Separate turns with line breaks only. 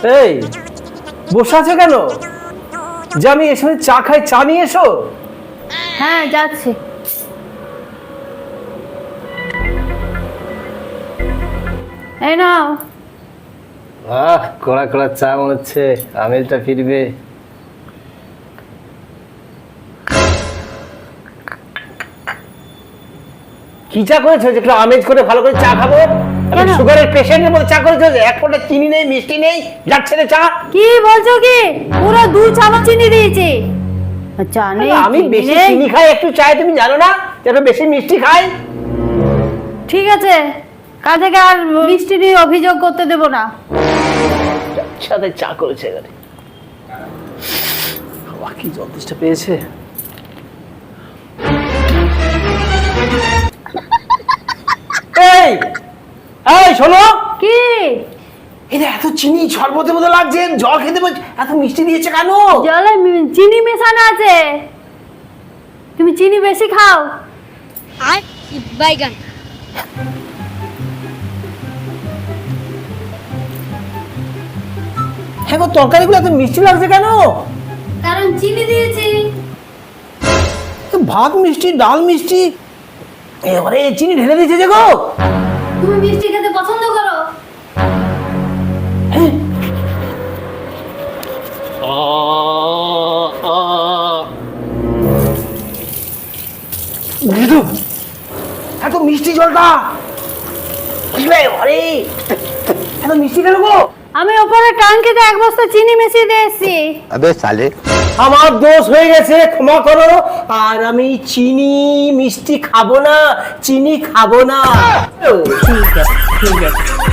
এই বসে আছো কেন? যে আমি এসে চা খাই, চা নিয়ে এসো।
হ্যাঁ যাচ্ছি। এই নাও।
কড়া কড়া চা মনে হচ্ছে, আমেলটা ফিরবে। কি চা করেছো যে একটু আমেজ করে ভালো করে চা খাবো? আমি সুগারের পেশেন্টের মতো চা করেছো, এক ফোঁটা চিনি নেই, মিষ্টি নেই, যাচ্ছে না চা।
কি বলছো কি? পুরো 2 চামচ চিনি দিয়েছি। আচ্ছা
আমি বেশি চিনি খাই একটু চাই, তুমি জানো না যে আমি বেশি মিষ্টি খাই।
ঠিক আছে, কাল থেকে আর মিষ্টি নিয়ে অভিযোগ করতে দেব না।
সাথে চা করেছে এখানে, কি যথেষ্ট পেয়েছে। এই এই শোনো,
কি
এটা এত চিনি শরবতের মতো লাগছে, জল খেতে বলছে, এত মিষ্টি দিয়েছে কেন?
জলে চিনি মেশানো আছে, তুমি চিনি বেশি খাও।
আর বাইগান
হ্যাঁ গো, তরকারিগুলো এত মিষ্টি লাগছে কেন?
কারণ চিনি দিয়েছি।
ভাত মিষ্টি, ডাল মিষ্টি, এবারে চিনি ঢেলে দিয়েছে যে গো।
তুমি মিষ্টি খেতে পছন্দ করো?
এত মিষ্টি জলটা, আরে এত মিষ্টি কেন গো?
আমি ওপরে ট্যাঙ্কিতে 1 বস্তা চিনি মিশিয়ে দিয়েছি।
अबे साले
আমার দোষ হয়ে গেছে, ক্ষমা করো। আর আমি চিনি মিষ্টি খাবো না, চিনি খাবো না। ঠিক আছে ঠিক আছে।